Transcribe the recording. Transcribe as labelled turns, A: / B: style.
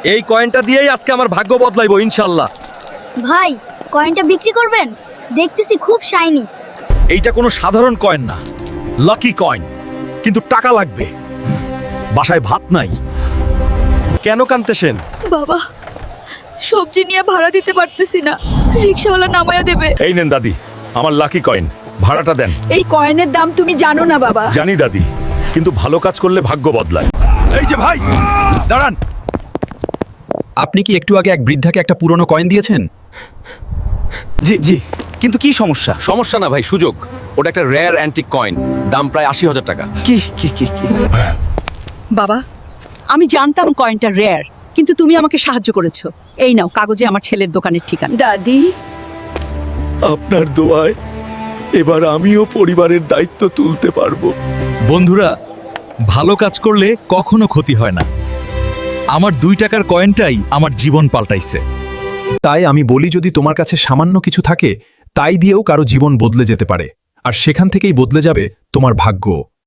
A: এই কয়েনটা দিয়েই আজকে আমার ভাগ্য বদলাইবো ইনশাল্লাহ।
B: ভাই কয়েনটা বিক্রি করবেন? দেখতেছি খুব শাইনি।
A: এইটা কোনো সাধারণ কয়েন না, লাকি কয়েন, কিন্তু টাকা লাগবে। বাসায় ভাত নাই। কেন কানতেছেন?
C: বাবা, সবজি নিয়ে ভাড়া দিতে পারতেছি না, রিকশাওয়ালা নামায়া দেবে।
A: এই নেন দাদি, আমার লাকি কয়েন, ভাড়াটা দেন।
C: এই কয়েনের দাম তুমি জানো না বাবা।
A: জানি দাদি, কিন্তু ভালো কাজ করলে ভাগ্য বদলায়। এই যে ভাই, দাঁড়ান।
D: আপনি কি একটু আগে এক বৃদ্ধাকে একটা পুরনো কয়েন দিয়েছেন?
E: জি জি, কিন্তু কি সমস্যা?
F: সমস্যা না ভাই, সুযোগ। ওটা একটা রেয়ার অ্যান্টিক কয়েন, দাম প্রায় ৮০,০০০ টাকা।
E: কি কি কি কি
C: বাবা, আমি জানতাম কয়েনটা রেয়ার, কিন্তু তুমি আমাকে সাহায্য করেছো। এই নাও কাগজে আমার ছেলের দোকানের ঠিকানা। দাদি,
A: আপনার দোয়ায় এবার আমিও পরিবারের দায়িত্ব তুলতে পারবো।
D: বন্ধুরা, ভালো কাজ করলে কখনো ক্ষতি হয় না। আমার ২ টাকার কয়েনটাই আমার জীবন পাল্টাইছে। তাই আমি বলি, যদি তোমার কাছে সামান্য কিছু থাকে, তাই দিয়েও কারো জীবন বদলে যেতে পারে, আর সেখান থেকেই বদলে যাবে তোমার ভাগ্য।